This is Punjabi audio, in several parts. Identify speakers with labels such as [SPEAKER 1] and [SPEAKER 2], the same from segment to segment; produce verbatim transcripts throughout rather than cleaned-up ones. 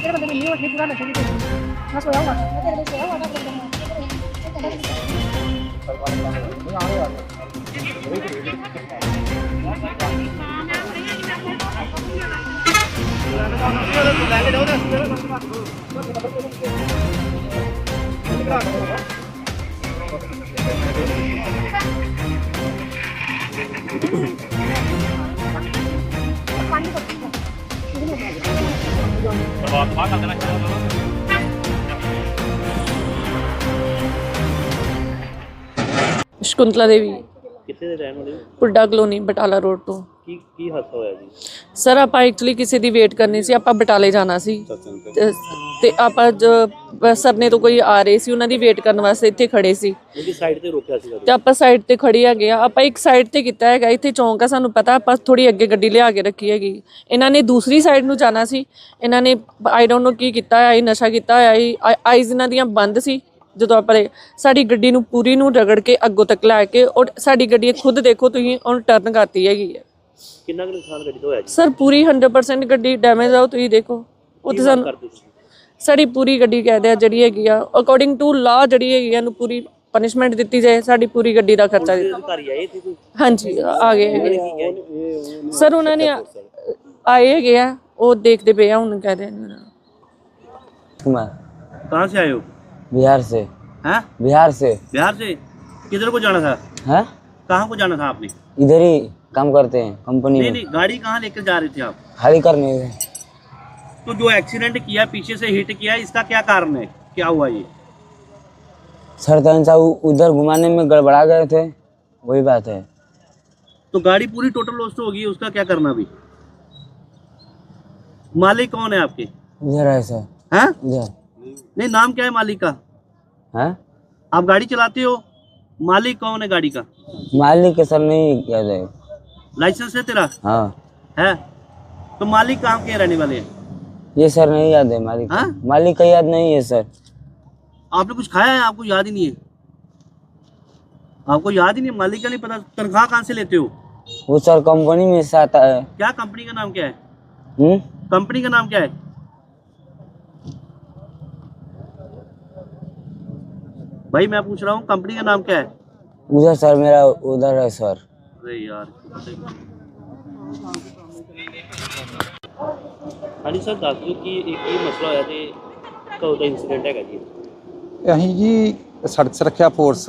[SPEAKER 1] तेरे बंदे मिली और पूरा नशे की मैं सोया हुआ मैं तेरे लिए सोया हुआ था
[SPEAKER 2] शकुंतला देवी
[SPEAKER 3] कितने ਦੇ ਰਹਿਣ ਵਾਲੇ ਹੋ?
[SPEAKER 2] ਪੁੱਡਾ ਕਲੋਨੀ ਬਟਾਲਾ ਰੋਡ ਤੋਂ।
[SPEAKER 3] ਕੀ ਕੀ ਹਾਦਸਾ ਹੋਇਆ ਜੀ?
[SPEAKER 2] ਸਰ ਆਪਾਂ ਐਕਚੁਅਲੀ ਕਿਸੇ ਦੀ ਵੇਟ ਕਰਨੀ ਸੀ, ਆਪਾਂ ਬਟਾਲੇ ਜਾਣਾ ਸੀ ਤੇ- ਤੇ ਆਪਾਂ ਜ- ਸਰਨੇ ਤੋਂ ਕੋਈ ਆ ਰਹੇ ਸੀ, ਉਹਨਾਂ ਦੀ ਵੇਟ ਕਰਨ ਵਾਸਤੇ ਇੱਥੇ ਖੜੇ ਸੀ
[SPEAKER 3] ਉਹਦੀ ਸਾਈਡ ਤੇ ਰੋਕਿਆ ਸੀਗਾ
[SPEAKER 2] ਤੇ ਆਪਾਂ ਸਾਈਡ ਤੇ ਖੜੀ ਹੈਗੇ ਆ। ਆਪਾਂ ਇੱਕ ਸਾਈਡ ਤੇ ਕੀਤਾ ਹੈਗਾ, ਇੱਥੇ ਚੌਂਕ ਆ ਸਾਨੂੰ ਪਤਾ, ਆਪਾਂ ਥੋੜੀ ਅੱਗੇ ਗੱਡੀ ਲਿਆ ਕੇ ਰੱਖੀ ਹੈਗੀ। ਇਹਨਾਂ ਨੇ ਦੂਸਰੀ ਸਾਈਡ ਨੂੰ ਜਾਣਾ ਸੀ, ਇਹਨਾਂ ਨੇ ਆਈ ਡੋਂਟ ਨੋ ਕੀ ਕੀਤਾ ਹੋਇਆ, ਨਸ਼ਾ ਕੀਤਾ ਹੋਇਆ, ਆਈਜ਼ ਇਹਨਾਂ ਦੀਆਂ ਬੰਦ ਸੀ। ਜਦੋਂ ਆਪਾਂ ਸਾਡੀ ਗੱਡੀ ਨੂੰ ਪੂਰੀ ਨੂੰ ਰਗੜ ਕੇ ਅੱਗੋਂ ਤੱਕ ਲੈ ਕੇ ਔਰ ਸਾਡੀ ਗੱਡੀ ਖੁਦ ਦੇਖੋ ਤੁਸੀਂ ਉਹਨੂੰ ਟਰਨ ਕਰਤੀ ਹੈਗੀ ਹੈ।
[SPEAKER 3] ਕਿੰਨਾ ਕੁ ਨੁਕਸਾਨ ਗੱਡੀ ਦਾ ਹੋਇਆ ਜੀ?
[SPEAKER 2] ਸਰ ਪੂਰੀ ਹੰਡਰਡ ਪਰਸੈਂਟ ਗੱਡੀ ਡੈਮੇਜ ਆ, ਤੁਸੀਂ ਦੇਖੋ ਉੱਥੇ ਸਾਨੂੰ ਸਾਡੀ ਪੂਰੀ ਗੱਡੀ ਕਹਿੰਦੇ ਆ ਜਿਹੜੀ ਹੈਗੀ ਆ ਅਕੋਰਡਿੰਗ ਟੂ ਲਾ ਜਿਹੜੀ ਹੈਗੀ ਆ ਇਹਨੂੰ ਪੂਰੀ ਪਨਿਸ਼ਮੈਂਟ ਦਿੱਤੀ ਜਾਏ, ਸਾਡੀ ਪੂਰੀ ਗੱਡੀ ਦਾ ਖਰਚਾ ਦਿੱਤਾ।
[SPEAKER 3] ਅਧਿਕਾਰੀ ਆਏ ਸੀ ਕੋਈ?
[SPEAKER 2] ਹਾਂਜੀ ਆ ਗਏ ਹੈਗੇ ਸਰ, ਉਹਨਾਂ ਨੇ ਆਏ ਹੈਗੇ ਆ, ਉਹ ਦੇਖਦੇ ਪਏ ਆ ਹੁਣ ਕਹਿ ਰਹੇ ਨੇ।
[SPEAKER 3] कहाँ से आए हो?
[SPEAKER 4] बिहार से।
[SPEAKER 3] हैं?
[SPEAKER 4] बिहार से।
[SPEAKER 3] बिहार से किधर को जाना था?
[SPEAKER 4] हैं?
[SPEAKER 3] कहाँ को जाना था आपने?
[SPEAKER 4] इधर ही काम करते हैं कंपनी
[SPEAKER 3] नहीं
[SPEAKER 4] में।
[SPEAKER 3] नहीं, गाड़ी कहाँ लेकर जा रहे थे आप?
[SPEAKER 4] खाली करने गए।
[SPEAKER 3] तो जो एक्सीडेंट किया, पीछे से हिट किया, इसका क्या कारण है? क्या हुआ ये?
[SPEAKER 4] सरपंच साहब उधर घुमाने में गड़बड़ा गए थे, वही बात है।
[SPEAKER 3] तो गाड़ी पूरी टोटल लॉस्ट होगी, उसका क्या करना अभी? मालिक कौन है आपके?
[SPEAKER 4] इधर है सर।
[SPEAKER 3] हैं?
[SPEAKER 4] इधर।
[SPEAKER 3] नहीं, नाम क्या है मालिक का?
[SPEAKER 4] हैं?
[SPEAKER 3] आप गाड़ी चलाते हो, मालिक कौन है गाड़ी का?
[SPEAKER 4] मालिक के सर नहीं याद है।
[SPEAKER 3] लाइसेंस है तेरा?
[SPEAKER 4] हाँ
[SPEAKER 3] है। तो मालिक कहाँ के रहने वाले हैं?
[SPEAKER 4] ये सर नहीं याद है मालिक।
[SPEAKER 3] हाँ?
[SPEAKER 4] मालिक का याद नहीं है सर।
[SPEAKER 3] आपने कुछ खाया है, आपको याद ही नहीं है? आपको याद ही नहीं, मालिक का नहीं पता? तनख्वाह कहाँ से लेते हो?
[SPEAKER 4] वो सर कंपनी में से आता है।
[SPEAKER 3] क्या कंपनी का नाम क्या है?
[SPEAKER 4] हम्म?
[SPEAKER 3] कंपनी का नाम क्या है? भाई मैं पूछ रहा हूँ, कंपनी का नाम क्या है?
[SPEAKER 4] उधर सर मेरा उधर है सर।
[SPEAKER 3] अरे यार। हाँ जी सर, दस दो कि एक ये मसला होया ते कदों दा इंसीडेंट हैगा जी?
[SPEAKER 5] ਅਸੀਂ ਜੀ ਸੜਕ ਸੁਰੱਖਿਆ ਫੋਰਸ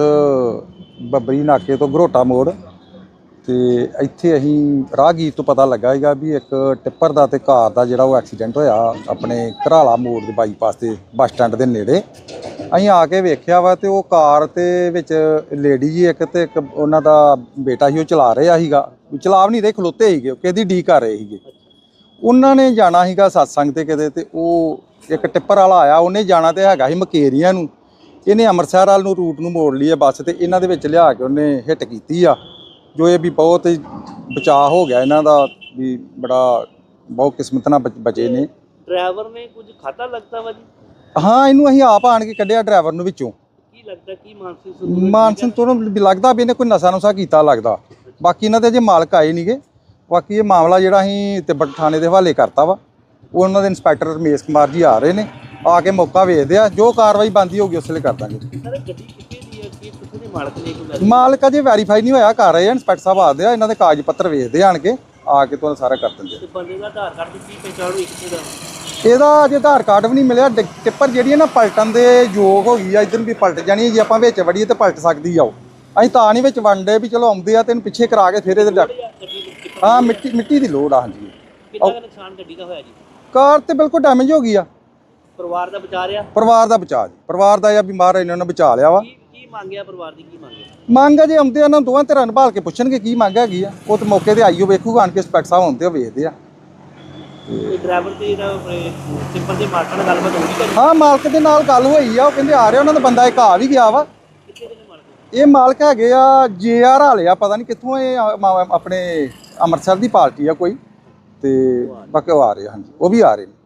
[SPEAKER 5] ਬੱਬਰੀ ਨਾਕੇ ਤੋਂ ਘਰੋਟਾ ਮੋੜ ਤੇ ਇੱਥੇ ਅਸੀਂ ਰਾਹਗੀਰ ਤੋਂ ਪਤਾ ਲੱਗਾ ਹੈਗਾ ਵੀ ਇੱਕ ਟਿੱਪਰ ਦਾ ਤੇ ਕਾਰ ਦਾ ਜਿਹੜਾ ਉਹ ਐਕਸੀਡੈਂਟ ਹੋਇਆ ਆਪਣੇ ਘਰਾਲਾ ਮੋੜ ਦੇ ਬਾਈਪਾਸ ਤੇ ਬੱਸ ਸਟੈਂਡ ਦੇ ਨੇੜੇ। ਅਸੀਂ ਆ ਕੇ ਵੇਖਿਆ ਵਾ ਤੇ ਉਹ ਕਾਰ ਤੇ ਵਿੱਚ ਲੇਡੀ ਜੀ ਇੱਕ ਤੇ ਇੱਕ ਉਹਨਾਂ ਦਾ ਬੇਟਾ ਸੀ, ਉਹ ਚਲਾ ਰਿਹਾ ਸੀਗਾ, ਚਲਾ ਵੀ ਨਹੀਂ ਰਹੇ, ਖਲੋਤੇ ਸੀਗੇ, ਕਿਹਦੀ ਡੀ ਕਰ ਰਹੇ ਸੀਗੇ। ਉਹਨਾਂ ਨੇ ਜਾਣਾ ਸੀਗਾ ਸਤਸੰਗ ਤੇ ਕਿਤੇ, ਤੇ ਉਹ ਇੱਕ ਟਿੱਪਰ ਵਾਲਾ ਆਇਆ, ਉਹਨੇ ਜਾਣਾ ਤੇ ਹੈਗਾ ਸੀ ਮਕੇਰੀਆਂ ਨੂੰ, ਇਹਨੇ ਅੰਮ੍ਰਿਤਸਰ ਵਾਲ ਨੂੰ ਰੂਟ ਨੂੰ ਮੋੜ ਲਈ ਹੈ ਬੱਸ, ਤੇ ਇਹਨਾਂ ਦੇ ਵਿੱਚ ਲਿਆ ਕੇ ਉਹਨੇ ਹਿੱਟ ਕੀਤੀ ਆ, ਜੋ ਇਹ ਵੀ ਬਹੁਤ ਬਚਾਅ ਹੋ ਗਿਆ ਇਹਨਾਂ ਦਾ, ਵੀ ਬੜਾ ਬਹੁਤ ਕਿਸਮਤ ਨਾਲ ਬਚੇ ਨੇ।
[SPEAKER 3] ਡਰਾਈਵਰ ਨੇ ਕੁਝ ਖਾਤਾ ਲੱਗਦਾ ਵਾ ਜੀ?
[SPEAKER 5] ਹਾਂ, ਇਹਨੂੰ ਅਸੀਂ ਆਪ ਆਣ ਕੇ ਕੱਢਿਆ ਡਰਾਈਵਰ ਨੂੰ ਵਿੱਚੋਂ।
[SPEAKER 3] ਕੀ ਲੱਗਦਾ ਕੀ ਮਾਨਸਿਕ
[SPEAKER 5] ਮਾਨਸਿਕ ਤੋਂ ਵੀ ਲੱਗਦਾ ਵੀ ਇਹਨੇ ਕੋਈ ਨਸ਼ਾ ਨੁਸ਼ਾ ਕੀਤਾ ਲੱਗਦਾ। ਬਾਕੀ ਇਹਨਾਂ ਦੇ ਅਜੇ ਮਾਲਕ ਆਏ ਨਹੀਂਗੇ। ਬਾਕੀ ਇਹ ਮਾਮਲਾ ਜਿਹੜਾ ਅਸੀਂ ਤਿੱਬਤ ਥਾਣੇ ਦੇ ਹਵਾਲੇ ਕਰਤਾ ਵਾ, ਉਹ ਉਹਨਾਂ ਦੇ ਇੰਸਪੈਕਟਰ ਰਮੇਸ਼ ਕੁਮਾਰ ਜੀ ਆ ਰਹੇ ਨੇ, ਆ ਕੇ ਮੌਕਾ ਵੇਖਦੇ ਆ, ਜੋ ਕਾਰਵਾਈ ਬਣਦੀ ਹੋਊਗੀ ਉਸ ਵੇਲੇ ਕਰ ਦਾਂਗੇ।
[SPEAKER 3] ਸਰ ਗੱਡੀ ਕਿੱਥੇ ਦੀ ਹੈ, ਕੀ ਕਿੱਥੇ ਦੇ ਮਾਲਕ ਨੇ? ਕੋਈ
[SPEAKER 5] ਮਾਲਕ ਅਜੇ ਵੈਰੀਫਾਈ ਨਹੀਂ ਹੋਇਆ, ਕਰ ਰਹੇ ਆ ਇੰਸਪੈਕਟਰ ਸਾਹਿਬ ਆਦੇ ਆ, ਇਹਨਾਂ ਦੇ ਕਾਗਜ਼ ਪੱਤਰ ਵੇਖਦੇ ਆਣ ਕੇ, ਆ ਕੇ ਤੁਹਾਨੂੰ ਸਾਰਾ ਕਰ ਦਿੰਦੇ ਆ।
[SPEAKER 3] ਬੰਦੇ ਦਾ ਆਧਾਰ ਕਾਰਡ ਦੀ ਕੀ ਪਛਾਣ ਹੋਈ ਕਿੱਥੇ ਦਾ?
[SPEAKER 5] ਇਹਦਾ ਅਜੇ ਆਧਾਰ ਕਾਰਡ ਵੀ ਨਹੀਂ ਮਿਲਿਆ। ਟਿੱਪਰ ਜਿਹੜੀ ਹੈ ਨਾ ਪਲਟਣ ਦੇ ਯੋਗ ਹੋ ਗਈ ਆ, ਇੱਧਰ ਵੀ ਪਲਟ ਜਾਣੀ ਹੈ, ਜੇ ਆਪਾਂ ਵਿੱਚ ਵੜੀਏ ਤਾਂ ਪਲਟ ਸਕਦੀ ਆ। ਉਹ ਅਸੀਂ ਤਾਂ ਨਹੀਂ ਵਿੱਚ ਵੰਡੇ ਵੀ ਚਲੋ ਆਉਂਦੇ ਆ ਤੈਨੂੰ ਪਿੱਛੇ ਕਰਾ ਕੇ ਫਿਰ ਇਹਦੇ ਡੱਕ। ਹਾਂ, ਮਿੱਟੀ ਮਿੱਟੀ ਦੀ ਲੋੜ ਆ। ਹਾਂਜੀ।
[SPEAKER 3] ਕਿੰਨਾ ਕੁ ਨੁਕਸਾਨ ਗੱਡੀ ਦਾ ਹੋਇਆ ਜੀ?
[SPEAKER 5] ਕਾਰ ਤੇ ਬਿਲਕੁਲ ਡੈਮੇਜ ਹੋ ਗਈ ਆ।
[SPEAKER 3] ਪਰਿਵਾਰ ਦਾ ਬਚਾ ਰਿਹਾ?
[SPEAKER 5] ਪਰਿਵਾਰ ਦਾ ਬਚਾ ਜੀ, ਪਰਿਵਾਰ ਦਾ ਜਾਂ ਬਿਮਾਰ ਇਹਨਾਂ ਨੇ ਬਚਾ ਲਿਆ ਵਾ।
[SPEAKER 3] ਕੀ ਮੰਗਿਆ ਪਰਿਵਾਰ ਦੀ, ਕੀ ਮੰਗਿਆ?
[SPEAKER 5] ਮੰਗ ਜੇ ਆਉਂਦੇ ਆ ਨਾ ਦੋਵਾਂ ਧਿਰਾਂ ਨੂੰ ਭਾਲ ਕੇ ਪੁੱਛਣਗੇ ਕੀ ਮੰਗ ਹੈਗੀ ਆ, ਉਹ ਤੇ ਮੌਕੇ ਤੇ ਆਈਓ ਵੇਖੂਗਾ ਆਣ ਕੇ, ਇੰਸਪੈਕਟਰ ਸਾਹਿਬ ਆਉਂਦੇ ਆ ਵੇਖਦੇ ਆ।
[SPEAKER 3] ਤੇ ਡਰਾਈਵਰ ਤੇ ਜਿਹੜਾ ਸਿੰਪਲ ਦੇ ਮਾਲਕ ਨਾਲ ਗੱਲਬਾਤ ਹੋਈ ਕਰੀ?
[SPEAKER 5] ਹਾਂ, ਮਾਲਕ ਦੇ ਨਾਲ ਗੱਲ ਹੋਈ ਆ, ਉਹ ਕਹਿੰਦੇ ਆ ਰਿਹਾ, ਉਹਨਾਂ ਦਾ ਬੰਦਾ ਇੱਕ ਆ ਵੀ ਗਿਆ ਵਾ।
[SPEAKER 3] ਕਿੱਥੇ ਦੇ ਨੇ ਮਾਲਕ?
[SPEAKER 5] ਇਹ ਮਾਲਕ ਹੈਗੇ ਆ ਜੇ ਆਰ ਵਾਲੇ ਆ, ਪਤਾ ਨਹੀਂ ਕਿੱਥੋਂ, ਇਹ ਆਪਣੇ ਅੰਮ੍ਰਿਤਸਰ ਦੀ ਪਾਰਟੀ ਆ ਕੋਈ, ਤੇ ਬਾਕੀ ਉਹ ਆ ਰਹੇ। ਹਾਂਜੀ, ਉਹ ਵੀ ਆ ਰਹੇ ਨੇ।